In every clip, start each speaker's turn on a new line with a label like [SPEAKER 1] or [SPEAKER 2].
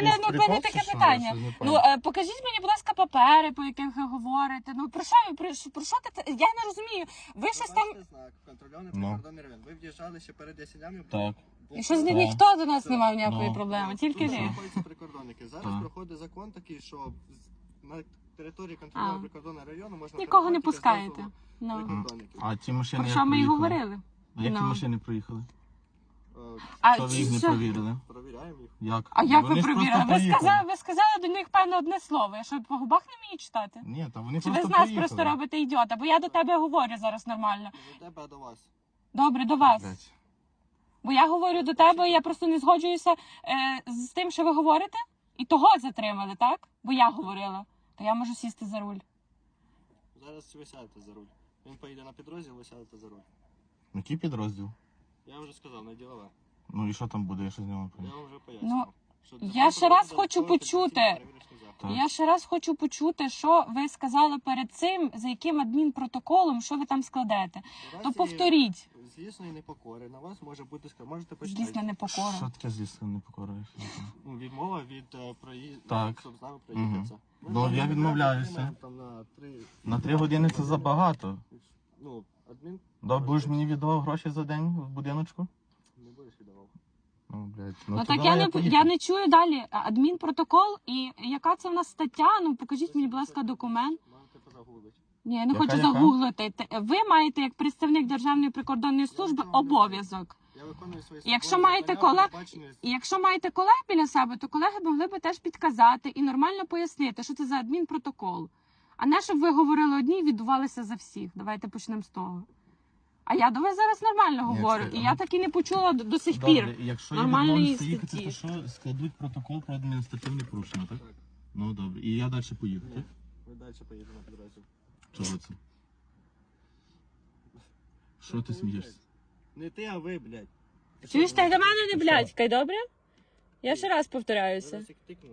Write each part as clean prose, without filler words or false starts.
[SPEAKER 1] мене таке питання. Покажіть мені, будь ласка, папери, по яких ви говорите. Ну, про що ти? Я не розумію. Ви щось там...
[SPEAKER 2] знак, контрольований прикордонний район. Ви в'їжджали ще перед ясенями.
[SPEAKER 3] Так.
[SPEAKER 1] І щось ніхто до нас не мав ніякої проблеми, тільки
[SPEAKER 2] Тут
[SPEAKER 1] ви.
[SPEAKER 2] знаходяться прикордонники. Зараз проходить закон такий, що на території контрольованого прикордонного району можна...
[SPEAKER 1] Нікого не пускаєте.
[SPEAKER 3] А ці машини
[SPEAKER 1] Про
[SPEAKER 3] як
[SPEAKER 1] що ми і
[SPEAKER 3] проїхали?
[SPEAKER 1] говорили.
[SPEAKER 3] Як ці машини проїхали?
[SPEAKER 1] А
[SPEAKER 3] Що ви їх не провірили?
[SPEAKER 2] Провіряємо їх.
[SPEAKER 3] Як?
[SPEAKER 1] А як
[SPEAKER 3] Вони
[SPEAKER 1] ви
[SPEAKER 3] ж просто
[SPEAKER 1] провірили?
[SPEAKER 3] проїхали.
[SPEAKER 1] Ви сказали до них, певно, одне слово. Я що, по губах не вмію читати?
[SPEAKER 3] Ні, та вони
[SPEAKER 1] Чи
[SPEAKER 3] просто
[SPEAKER 1] ви з нас
[SPEAKER 3] проїхали.
[SPEAKER 1] просто робите ідіота? Бо я до тебе говорю зараз нормально.
[SPEAKER 2] Не до тебе, а до вас.
[SPEAKER 1] Добре, до вас.
[SPEAKER 3] Блядь.
[SPEAKER 1] Бо я говорю до тебе, і я просто не згоджуюся з тим, що ви говорите. І того затримали, так? Бо я говорила. То я можу сісти за руль.
[SPEAKER 2] Зараз ви сядете за руль. Він поїде на підрозділ, ви сядете за руль.
[SPEAKER 3] Який підрозділ?
[SPEAKER 2] Я вже сказав, на ділове.
[SPEAKER 3] Ну і що там буде, я ще з нього
[SPEAKER 2] Я
[SPEAKER 3] поїду?
[SPEAKER 2] вам вже пояснював.
[SPEAKER 1] Я ще раз хочу почути. Я ще раз хочу почути, що ви сказали перед цим, за яким адмінпротоколом, що ви там складете. То повторіть.
[SPEAKER 2] Злісної непокори на вас може бути можете почитати.
[SPEAKER 1] Злісна непокора.
[SPEAKER 3] Що таке злісна непокора?
[SPEAKER 2] Відмова від проїзду,
[SPEAKER 3] Так.
[SPEAKER 2] щоб з нами проїхатися.
[SPEAKER 3] Ну, я відмовляюся. На 3 години це забагато.
[SPEAKER 2] Ну, адмін...
[SPEAKER 3] Будеш мені віддавав гроші за день в будиночку?
[SPEAKER 2] Не будеш віддавав.
[SPEAKER 3] Ну, блядь.
[SPEAKER 1] Ну так я не чую далі. Адмінпротокол і яка це в нас стаття? Ну покажіть мені, будь ласка, документ.
[SPEAKER 2] Маєте позагуглити.
[SPEAKER 1] Ні, я не хочу
[SPEAKER 3] Яка?
[SPEAKER 1] загуглити. Ви маєте, як представник Державної прикордонної служби, обов'язок.
[SPEAKER 2] Я виконую свої
[SPEAKER 1] Якщо маєте колег біля себе, то колеги могли би теж підказати і нормально пояснити, що це за адмінпротокол. А не щоб ви говорили одні і відбувалися за всіх. Давайте почнемо з того. А я до вас зараз нормально говорю, і я так і не почула до сих пір.
[SPEAKER 3] Добре, якщо
[SPEAKER 1] нормальної
[SPEAKER 3] я відмовлюся їхати,
[SPEAKER 1] статті.
[SPEAKER 3] то що складуть протокол про адміністративне порушення, так?
[SPEAKER 2] Так.
[SPEAKER 3] Ну добре. І я далі поїду, так?
[SPEAKER 2] Ви далі поїдете на підрозділ.
[SPEAKER 3] Чого це? Що ти смієшся?
[SPEAKER 2] Не ти, а ви, блядь.
[SPEAKER 1] Чуєш, ти до мене не блядькай, добре? Я ще раз повторяюся.
[SPEAKER 2] Зараз їх тикну.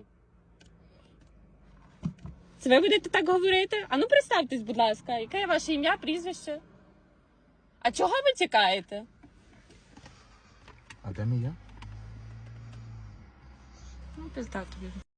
[SPEAKER 1] Це ви будете так говорити? А ну представтесь, будь ласка, яке ваше ім'я, прізвище? А чого ви тікаєте?
[SPEAKER 3] А де мій я?
[SPEAKER 1] Ну, пизда тобі.